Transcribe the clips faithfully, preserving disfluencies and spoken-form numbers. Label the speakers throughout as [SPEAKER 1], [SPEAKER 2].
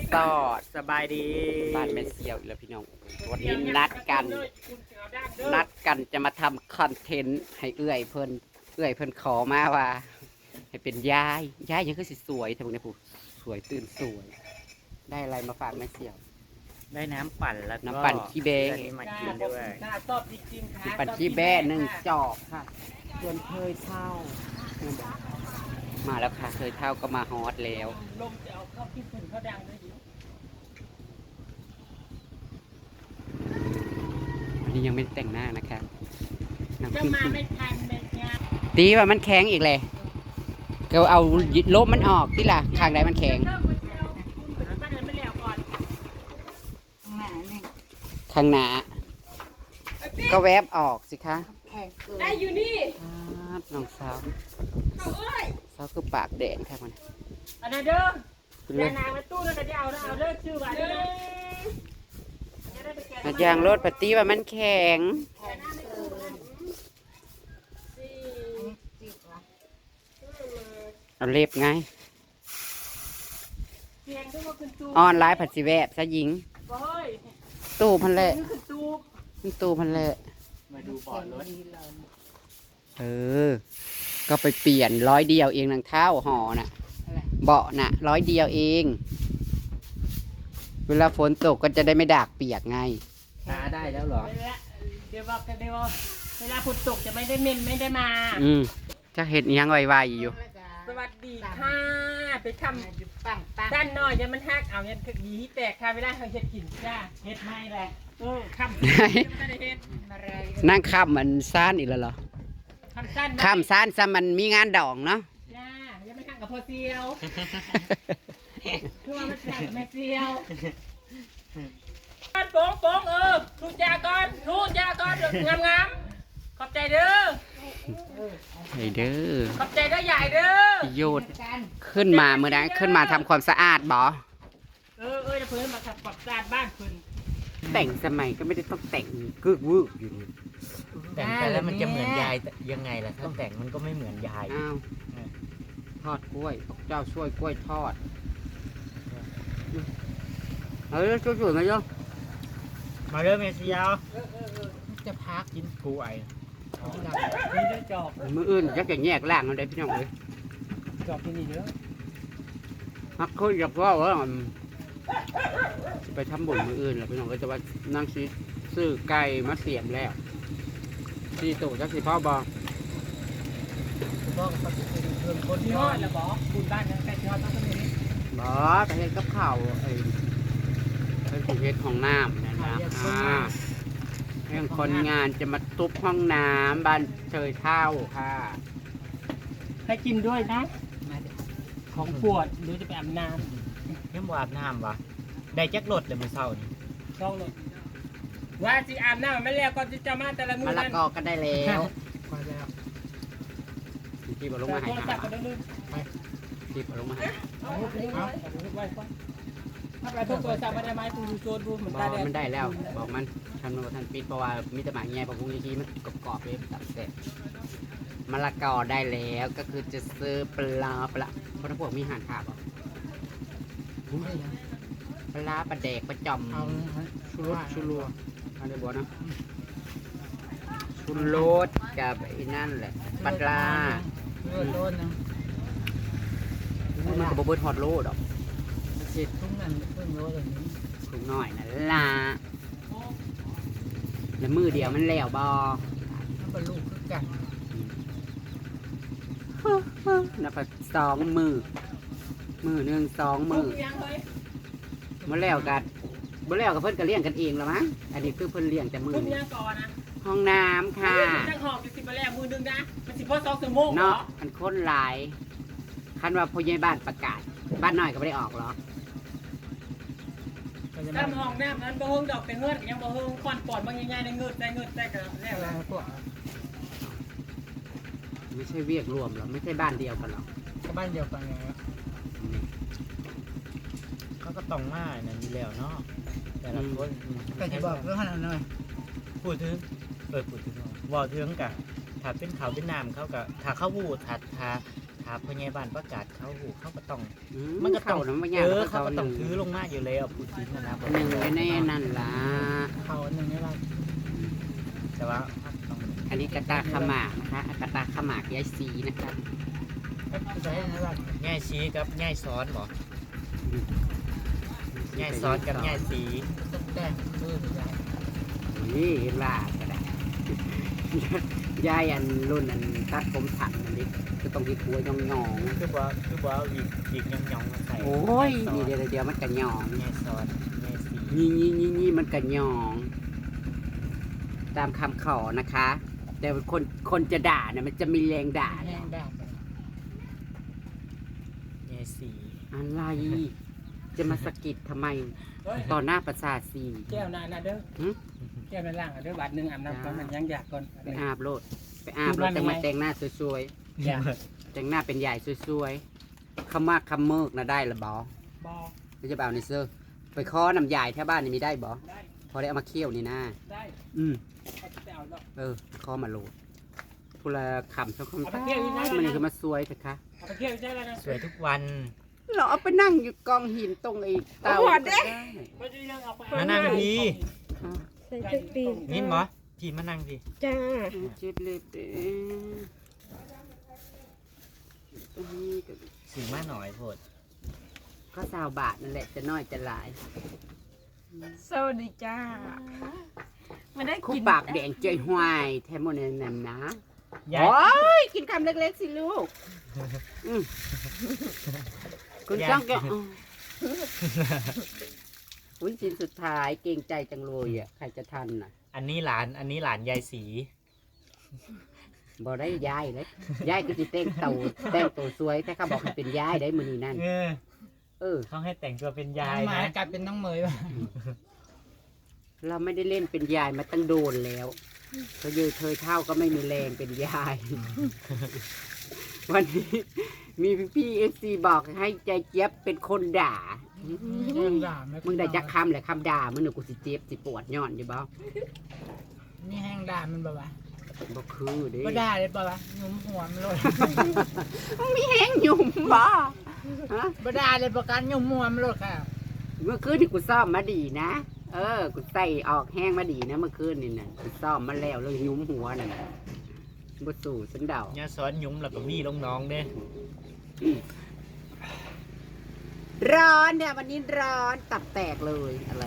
[SPEAKER 1] สอดสบายดีบ้านแม่เซียวอีกแล้วพี่น้องวันนี้นัดกันนัดกันจะมาทำคอนเทนต์ให้เอื้อยเพิ่นเอื้อยเพิ่นขอมาว่าให้เป็นยายยายยังคือสิสวยทำไมเนี่ยผู้สวยตื่นสวยได้อะไรมาฝากแม่เซียว
[SPEAKER 2] ได้น้ำปั่นแล้วก็
[SPEAKER 1] น้ำปั่นขี้เบ้
[SPEAKER 2] มากินด้วย
[SPEAKER 1] ปั่นขี้เบ้หนึ่งจอกค่ะส่วนเคยเท่ามาแล้วค่ะเคยเท่าก็มาฮอตแล้วลมจะเอาเข้าที่ฝุ่นเขาดังด้วยอันนี้ยังไม่แต่งหน้านะคะจะมาไม่ทันเลยเนี่ยตีว่ามันแข็งอีกเลยก็เอาลบมันออกที่ล่ะข้างใดมันแข็งข้างหน้าก็แวบออกสิคะ
[SPEAKER 3] ได้อยู่นี่
[SPEAKER 1] น้องสาวสาวคือปากแดงค่ะมัน
[SPEAKER 3] อันนั้นเด้อเดี๋ยวนางมาตู้แล้วก็จะเอาเอาเลิกชื่อว่าเด้
[SPEAKER 1] ออาจารย์รถปฏิว่ามันแข็งเอาเล็บไงออนไลน์ผัดสีแวบซะหญิงตู้พันเละตู้พันเละ
[SPEAKER 2] มาดูบอร์ดรถ
[SPEAKER 1] เออก็ไปเปลี่ยนร้อยเดียวเองนางเท้าห่อน่ะเบาะน่ะร้อยเดียวเองเวลาฝนตกก็จะได้ไม่ดากเปียกไง
[SPEAKER 2] หาได้แล้วเหรอ
[SPEAKER 3] เดี๋ยวบอกกันเดี๋ยวเวลาฝนตกจะไม่ได้เม่นไม่ได้มา
[SPEAKER 1] อืมจะเห็นยังไวๆอยู่
[SPEAKER 3] สวัสดีค่ะไปทำด้านนอกยังมันหักเอาเนี่ยถึงยีแตกค่ะเวลาเขาเห็ดกินจ้าเห็ดไม่แหละเออข้าม
[SPEAKER 1] นั่งข้ามมันซ่านอีกแล้วเหรอข้ามซ่านซะมันมีงานดองเนาะ
[SPEAKER 3] จ้ายังไม่ข้ามกับพอเซียวคือว่ามันแตกแม่เซียวโป้งโป้งเออทูจาก่อนทูจาก่อนงามงามขอบใจเด้อ
[SPEAKER 1] ไอเด้อ
[SPEAKER 3] ขอบใจเด้อใหญ่เด้อ
[SPEAKER 1] โยดขึ้นมาเมื่อนั้นขึ้นมาทำความสะอาดบ่
[SPEAKER 3] เออเออจะเพิ่นมาทำความสะอาดบ้านเพิ่น
[SPEAKER 1] แต่งสมัยก็ไม่ได้ต้องแต่งกึกวึกอยู่นี่
[SPEAKER 2] แต่งไปแล้วมันจะเหมือนยายยังไงล่ะถ้าแต่งมันก็ไม่เหมือนยาย
[SPEAKER 1] อ้าวทอดกล้วยเจ้าช่วยกล้วยทอดเฮ้ยช่วยๆมาเยอะ
[SPEAKER 2] มาเริ่มเมสยาวจะพักกินกล้วย
[SPEAKER 3] นี่ได้จอบ
[SPEAKER 1] มืออื่นจะแกงแยกล่างมันได้พี่น้องเลย
[SPEAKER 3] จอบที่นี่เด้อ
[SPEAKER 1] ฮักคุยกับว่าว่าไปทำบุญมืออื่นแล้วพี่น้องก็จะว่านั่งซื้อซื้อไก่มาเสียมแล้วที่ตู่จักสิพ่อบอ
[SPEAKER 3] บอกกับเพื่อนคนที่ฮอดแล้วบอกคุณบ้านยังใกล้ที่ฮอดต้องเป็นนี้
[SPEAKER 1] บอแต่เห็นกับข่าวไอ้เป็นผู้เฮ็ดของน้ำนะนะเรื่องคนงานจะมาตุบห้องน้ำบ้านเชยเท่าค่ะ
[SPEAKER 3] ให้กินด้วยนะของปวดหรือจะไปอาบน้
[SPEAKER 2] ำยังบ่อาบน้ำวะได้จักรถเลยมื้อเช้านี่
[SPEAKER 3] ช่องรถว่าสิอาบน้ำไม่แล้วก็จะมาแต่ละมื้อ
[SPEAKER 1] มะละกอก็ได้แล้ว
[SPEAKER 3] พอแล้ว
[SPEAKER 1] ที่บ่ลงมาให้หาที่บ่ลงมาให้
[SPEAKER 3] เอาไว้ก่อนถ้าไปทุกตัวจับมาได้ไหมปูดูโซนดูเหมือนตาแดง
[SPEAKER 1] มันได้แล้วบอกมันทำมันทันปิดเพราะว่ามีแต่หมาแง่ปะพุงยี่ที่มันกรอบๆเลยตัดเสร็จมะละกอได้แล้วก็คือจะซื้อปลาปลาเพราะพวกมีห่านขาบอ่ะปลาปลาแดกปลาจอมชูรสชูรัวอะไรบอกนะชูรสกับไอ้นั่นแหละปลา
[SPEAKER 3] โลดนะ
[SPEAKER 1] มันก็บ่เบิดฮอตโลดอก
[SPEAKER 3] เจ็ดทุ่งนั่นเพิ่งโลเลยนี้
[SPEAKER 1] ถุงหน่อยนะล่ะแล้วมือเดียวมันแล้วบอ
[SPEAKER 3] มันเป็นลูกคือกัน
[SPEAKER 1] นับสองมือมือหนึ่งสองมือมาแล้วกันมาแล้วกับเพื่อนก็เลี้ยงกันเองแล้วมั้งอันนี้คือเพื่อนเลี้ยงแต่มือห้องน้ำค่ะ
[SPEAKER 3] จังหอบอยู่สิบมาแล้วมือหนึ่งนะมันสิบพอสองสมอง
[SPEAKER 1] เนาะมันค้นหลายคันว่าพ่อใหญ่บ้านประกาศบ้านน้อยก็ไม่ได้ออกหรอ
[SPEAKER 3] ถ้ามองหน้านั้นบ่เฮิงดอกแต่เงินยังบ่เฮิงควันปอดบางใหญ่ๆในเงินแต่เงินแต่ก็แล้วแล้วพวก
[SPEAKER 1] ไม่ใช่เวียกรวมหรอไม่ใช่บ้านเดียวกันหรอ
[SPEAKER 3] ก็บ้านเดียวกันไง
[SPEAKER 2] เขาก็ต้องมาเนี่ยมีแล้วเนาะแต่ละคน
[SPEAKER 3] แต่ที่บอกเรื่องขนาดนั้น
[SPEAKER 2] พูดถึงเออพูดถึงว่าถึงกะถ้าเป็นเขาเป็นน้ำเขากะถ้าเขาวูดถ้าถ้าถ้าาพยาบาลประกาศเขาหูเขาก็ต้อง
[SPEAKER 1] อื
[SPEAKER 2] มันก็ต้อง
[SPEAKER 1] เข้านะมัน
[SPEAKER 2] เอ
[SPEAKER 1] ยาก
[SPEAKER 2] อ
[SPEAKER 1] นะ
[SPEAKER 2] เขาก็ต้อง
[SPEAKER 1] ห
[SPEAKER 2] ถื
[SPEAKER 1] นึ่
[SPEAKER 2] อลงมาอยู่แล้วพูดจริงนะนะ
[SPEAKER 1] หนึ่งไว้ในนั่นล่ะ
[SPEAKER 2] เขาอันหนึ่งนี่ละแต่ว่าต้อง
[SPEAKER 1] อันนี้กระตาขมากนะคะกระตาขมากยายสีนะคะ
[SPEAKER 2] ใช้นะว่าง่ายชี้กับง่ายซ้อนบ่ง่ายซ้อนกับง่ายสีต้องแต่งเพิ่มได้
[SPEAKER 1] นี่ลาก็ได้ ยายอันรุ่นอันตัดผมถังอันนี้ก็ต้องที่หัวยองยอง
[SPEAKER 2] คือว่าคือว่าวิกวิกยองยองใส่
[SPEAKER 1] ๆโอ้ยนี่เดี๋ยวเดี๋ยวมันกระยอง
[SPEAKER 2] ง่ายซ้อนง่ายสี
[SPEAKER 1] นี่นี่นี่นี่มันกระยอง ตามคำขอนะคะ แต่คนคนจะด่าเนี่ยมันจะมีแรงด่า
[SPEAKER 2] แห้งได้ง่ายสี
[SPEAKER 1] อะไร จะมาสะกิดทำไมต่อหน้าประสาทสี
[SPEAKER 3] แก้วนานะเด้อ
[SPEAKER 1] หึ
[SPEAKER 3] แก้วในล่างอ่ะเด้อบาทหนึงอาบน้ำก่อนมันยังอยากก่อน
[SPEAKER 1] ไปอาบโลดไปอาบแล้วแต่มาแต่งหน้าสวย
[SPEAKER 3] อยาก
[SPEAKER 1] ๆแต่งหน้าเป็นใหญ่สวยๆคำมากคำเมิกนะได้หรือบ่
[SPEAKER 3] บอ
[SPEAKER 1] ไม่จะเบเอาในเสื้อไปคอน้ำใหญ่แถวบ้านนี่มีได้บ่
[SPEAKER 3] ได้
[SPEAKER 1] พอได้เอามาเคี่ยวนี่นะ
[SPEAKER 3] ได้
[SPEAKER 1] อืม
[SPEAKER 3] เอาไปเอาดอก
[SPEAKER 1] เออคอมาโหลดพูละคำสองคำ
[SPEAKER 3] เอาไปเคี่ยวอยู่นะ
[SPEAKER 1] มันนี่คือมาสวยเถอะคะ
[SPEAKER 3] เอาไปเที่ยวใช่แล้วนะ
[SPEAKER 2] สวยทุกวัน
[SPEAKER 1] เราเอาไปนั่งอยู่กองหินตรงไอ้เตาก็ได้
[SPEAKER 3] ไม่ได้ยังเอาไป
[SPEAKER 2] มานั่งดี
[SPEAKER 4] ใส่เครื่องตีน
[SPEAKER 2] นินหมอพี่มานั่งดิ
[SPEAKER 4] จ้า
[SPEAKER 1] เจ็บเล็บเด้ตรงนี้ก็
[SPEAKER 2] สีมาหน่อยโพด
[SPEAKER 1] ก็สาวบาทนั่นแหละจะน้อยจะหลาย
[SPEAKER 4] สวัสดีจ้าไม่ได้
[SPEAKER 1] คู่
[SPEAKER 4] กิน
[SPEAKER 1] ปากแดงเจยห้วยแทมโมเนนนั่นนะ
[SPEAKER 2] ยาย
[SPEAKER 1] โอ้ยกินคำเล็กๆสิลูกอืมคุณจ้องแกอืมอุ้ยชิ้นสุดท้ายเกรงใจจังเลยอ่ะใครจะทันน่ะ
[SPEAKER 2] อันนี้หลานอันนี้หลานยายสี
[SPEAKER 1] บ่ได้ยายเลยยายก็จะแต่งเต่าแต่งตัวสวยแต่เขาบอกให้เป็นยายได้มือนี้นั่น
[SPEAKER 2] เออ
[SPEAKER 1] เออ
[SPEAKER 2] เขาให้แต่งตัวเป็นยาย
[SPEAKER 3] หมา
[SPEAKER 2] นะ
[SPEAKER 3] กลายเป็นน้องเมยว่ะ
[SPEAKER 1] เราไม่ได้เล่นเป็นยายมาตั้งโดนแล้วเธอเยยเธอเท่าก็ไม่มีแรงเป็นยาย วันนี้มีพี่เอฟซีบอกให้ใจเจี๊ยบเป็นคนด่า
[SPEAKER 3] ยังด่าไห
[SPEAKER 1] มึงได้จักคำแหละคำด่ามึงหนูกูสิเจ็บสิปวดย้อนอยู่บ่
[SPEAKER 3] นี่แห้งด่ามันแบบว่า
[SPEAKER 1] บ่คือเด้
[SPEAKER 3] ก็ด่าเลยป่ะวะหนุ่มหัวมันเลย
[SPEAKER 1] มึงมีแห้งหยุ่มบ่ฮะ
[SPEAKER 3] บ่ด่าเลยประกันหนุ่มหัวมันเลยค่ะ
[SPEAKER 1] เมื่อคืนนี่กูซ่อมมาดีนะ เออ กูใส่ออกแห้งมาดีนะเมื่อคืนนี่น่ะกูซ่อมมาแล้วเลยหยุ้มหัวนั่นน่ะบ่สู่สันเดา
[SPEAKER 2] เนี่ยซ้อนยุ้มแล้วก็มีลงน้องเด้
[SPEAKER 1] ร้อนเนี่ยวันนี้ร้อนตับแตกเลยอะไร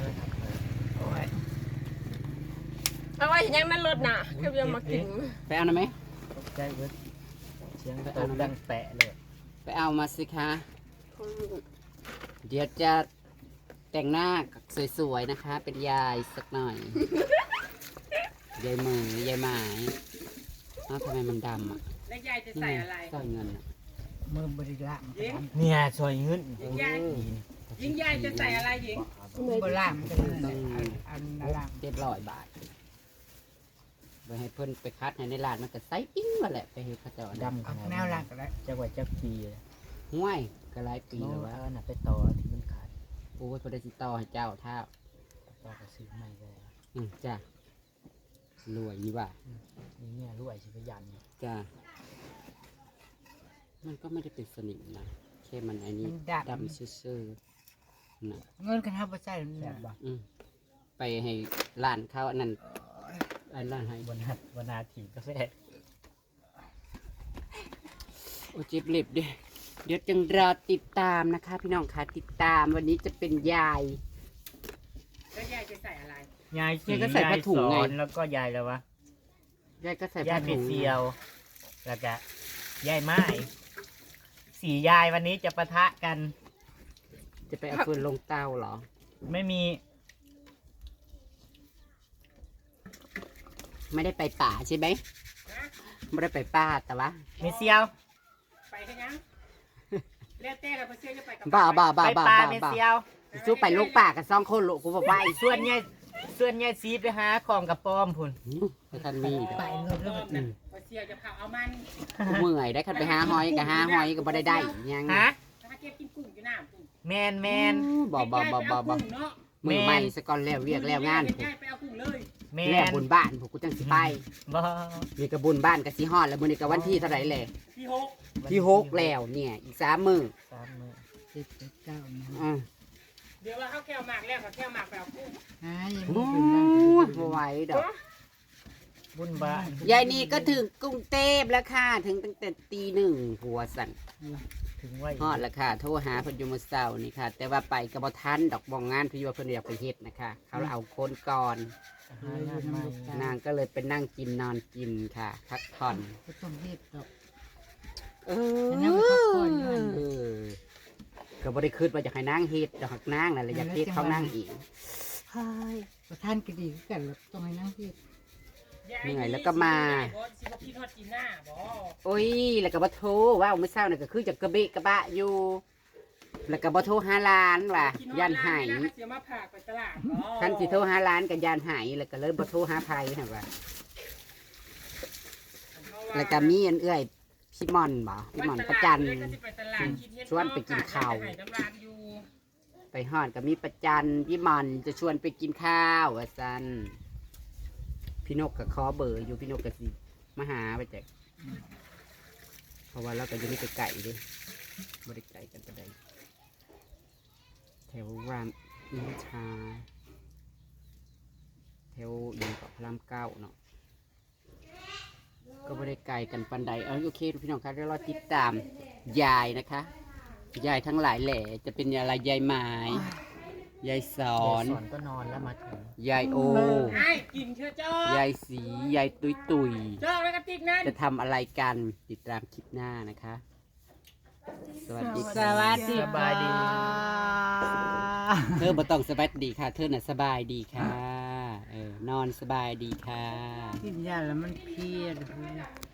[SPEAKER 4] เอาไว้ยังนั่นรถน่ะก็ยังมากิน
[SPEAKER 1] ไปเอาหน่อยไหม
[SPEAKER 2] ใจเบิดเสียงตบดังแปะเลย
[SPEAKER 1] ไปเอามาสิคะ เดี๋ยวจะแต่งหน้าสวยๆนะคะ เป็นยายสักหน่อย ยายมือยายหมายอ้าวทำไมมันดำอ่ะ
[SPEAKER 3] แล้วยายจะใส่อะไร
[SPEAKER 1] ใส่เงินอ่ะ
[SPEAKER 3] มือบริละ
[SPEAKER 2] เนี่ยซอยเงิน
[SPEAKER 3] ยายยิงยายจะใส่อะไรหญิงบริละมันจะเป็นอันอันละ
[SPEAKER 1] เจ็ดร้อยบาทไปให้เพิ่นไปคัดให้ในร้านมันก็ใส่ปิ้งมาแหละไปให้เขาเจ้าด
[SPEAKER 2] ดำขนาด
[SPEAKER 3] แนวหลักแล้ว
[SPEAKER 2] จักไว้จักปีเลย
[SPEAKER 1] ำห้วยก็หลายปี
[SPEAKER 2] ปี
[SPEAKER 1] แล้ว
[SPEAKER 2] แล้ว
[SPEAKER 1] วะ
[SPEAKER 2] ว่าน่ะไปต่อที่มันขาด
[SPEAKER 1] โอ้ยพอได้ติดต่อให้เจ้าท่า
[SPEAKER 2] ต่อก็ซื้อใหม่เลย
[SPEAKER 1] อืมจ้ะรวยนี่ว่า
[SPEAKER 2] นี่เนี่ยรวยชิบยัน
[SPEAKER 1] จ้ะมันก็ไม่ได้เป็นสนิมนะแค่มันไอ้นี่
[SPEAKER 3] มันดับ
[SPEAKER 1] ดำซื่อๆนะ
[SPEAKER 3] เงินกันทับใส่
[SPEAKER 2] แซ่บบ่
[SPEAKER 1] อืมไปให้ร้านเขาอันนั้นอันร้านให้
[SPEAKER 2] วันนาวันนาถีกาแฟ
[SPEAKER 1] โอ้เจ็บเล็บเด้เดี๋ยวจึงรอติดตามนะคะ พี่น้องค่ะติดตามวันนี้จะเป็นยาย
[SPEAKER 3] แล้วยายจะใส่อะไร
[SPEAKER 2] ยายสี
[SPEAKER 1] ยายก็ใส่ผ้าถุงไง
[SPEAKER 2] ยายสอนแล้วก็ยายแล้ววะ
[SPEAKER 1] ยายก็ใส่
[SPEAKER 2] ยาย
[SPEAKER 1] ผ้า
[SPEAKER 2] เป็
[SPEAKER 1] ถุ
[SPEAKER 2] ด
[SPEAKER 1] ง
[SPEAKER 2] เซียว แล้วก็ยายไม้สี่ยายวันนี้จะปะทะกัน
[SPEAKER 1] จะไปเอาฟืนลงเตาเหรอ
[SPEAKER 2] ไม่มี
[SPEAKER 1] ไม่ได้ไปป่าใช่ไหมไม่ได้ไปป่าแต่ว่า
[SPEAKER 2] มีเซียว
[SPEAKER 3] ไปกันยังแล้วแต่เราไปเชื่อจะไปกับ
[SPEAKER 1] บ้าบ้าบ้า
[SPEAKER 2] ไป
[SPEAKER 1] บ้า
[SPEAKER 2] ปลา
[SPEAKER 1] บ้า
[SPEAKER 2] เม
[SPEAKER 1] บ้า
[SPEAKER 2] เซียว
[SPEAKER 1] สู้ไปลูกป่ากันสองคนลูกกูบอกว่า
[SPEAKER 2] ส่วนยายส่วนยายซีไปหาของกับป้อมพุ่น
[SPEAKER 1] ไปทันมีเด้อ
[SPEAKER 3] ไปเงินแล้วแบบนั้นไปเชื่อจะพาเอามัน
[SPEAKER 1] กูเมื่อยได้คันไปหาหอยกับหาหอยก็บ่ได้ได้ยัง
[SPEAKER 2] ฮะ
[SPEAKER 3] ถ้าเก็บกินกุ้งอยู่หน้ากุ้ง
[SPEAKER 2] แมนแมน
[SPEAKER 1] บ่บ่บ่บ่บ่
[SPEAKER 3] เนาะ
[SPEAKER 1] มือใหม่สกอนแล้วเรียกแล้วงาน
[SPEAKER 3] ยายไปเอากุ้งเลย
[SPEAKER 2] แม
[SPEAKER 1] แล้ว
[SPEAKER 2] น
[SPEAKER 1] บุญบ้านพวกกูจังสิไป
[SPEAKER 2] บ่
[SPEAKER 1] มีกระบุญบ้านกับสิฮอดแล้วมื้อนี้ก็วันที่เท่าไหร่แหละ
[SPEAKER 3] ที่หก
[SPEAKER 1] ที่หกแล้วเนี่ยอีกสามมือ
[SPEAKER 2] สามมื้อ
[SPEAKER 5] เจ็ดแปดเก้านะ
[SPEAKER 1] อ่ะ
[SPEAKER 3] เดี๋ยวว่าเขาแก้วหมากแล้วเขาแก้วหมากแบบกุ้ง
[SPEAKER 5] หายัง
[SPEAKER 1] โอ้
[SPEAKER 5] มีเป็นบ้าง
[SPEAKER 1] ยบ่ไหวดอก
[SPEAKER 2] บุญบ้าน
[SPEAKER 1] ยายนี่ก็ถึงกรุงเทพแล้วค่ะถึงตั้งแต่ตีหนึ่งหัวสั่น
[SPEAKER 2] ถึงไว้
[SPEAKER 1] ฮอดแล้วค่ะโทรหาเพิ่นอยู่มื้อเช้านี่ค่ะ แต่ว่าไปก็บ่ทันดอกบ่งงานที่ว่าเพิ่นอยากไปเฮ็ดนะคะเขาเอาคนก่อน
[SPEAKER 2] หางานใหม่
[SPEAKER 1] นางก็เลยไปนั่งกินนอนกินค่ะพักผ่อน
[SPEAKER 5] ก็ต้องเฮ็ดดอก
[SPEAKER 1] เอ
[SPEAKER 5] แต่นั่งไปพักผ่อนอยู่นั่น
[SPEAKER 1] อก็บ่ได้คิดว่าจะให้นางเฮ็ดดอกนางนั่นแหละอยากเฮ็ดเขานั่งอีกเฮ้ย
[SPEAKER 5] ประธานก็ดีคือกันหรอกต้องให้นั่งเฮ็ด
[SPEAKER 1] เหนื่อยแล้วก็มา
[SPEAKER 3] บ่สิบ่คิดฮอดจีน่าบ่
[SPEAKER 1] โอ้ยแล้วก็บ่โทรว่ามื้อเช้านี่ก็คือจะกระเบะกระบะอยู่ แล้วก็บ่โทรหาร้านว่ะย่านหาย
[SPEAKER 3] เสียมาผากไปตลาดบ่
[SPEAKER 1] คันสิโทรหาร้านก็ย่านหายแล้วก็เลยบ่โทรหาไผหั่นว่าแล้วก็มีอันเอื้อยพี่มอนบ่พี่มอนประจัน ชวนไปกินข้าว ไปฮอดก็มีประจันพี่มอนจะชวนไปกินข้าวว่าซั่นพี่นกก็ขอเบอร์อยู่พี่นกก็สิมาหาไปแจกเพราะว่าเราก็อยู่นี่ไกลๆเดิบ่ได้ไกลกันปานใดแถวรามอินทราแถวอินเกาะพระรามเก้าเนาะก็บ่ได้ไกลกันปานใดเอาโอเคพี่น้องครับเดี๋ยวเราติดตามยายนะคะยายทั้งหลายแหล่จะเป็นอะไรยายหมายยายสอน
[SPEAKER 2] สอนก็นอนแล้วมาถึง
[SPEAKER 1] ยายโอ
[SPEAKER 3] ไอ้กินเชื่อจ้อย
[SPEAKER 1] ายสียายตุยตุย
[SPEAKER 3] จ้องแล้วก็ติ๊กนั่น
[SPEAKER 1] จะทำอะไรกันติดตามคลิปหน้านะคะ สวัสดี
[SPEAKER 5] ส
[SPEAKER 1] ค่ะ
[SPEAKER 5] วัสดี
[SPEAKER 2] สบายดี
[SPEAKER 1] เธอบ่ต้องสบายดีค่ะ เธอน่ะสบายดีค่ะเออนอนสบายดีค่ะ
[SPEAKER 5] กินยาแล้วมันเพลียเลย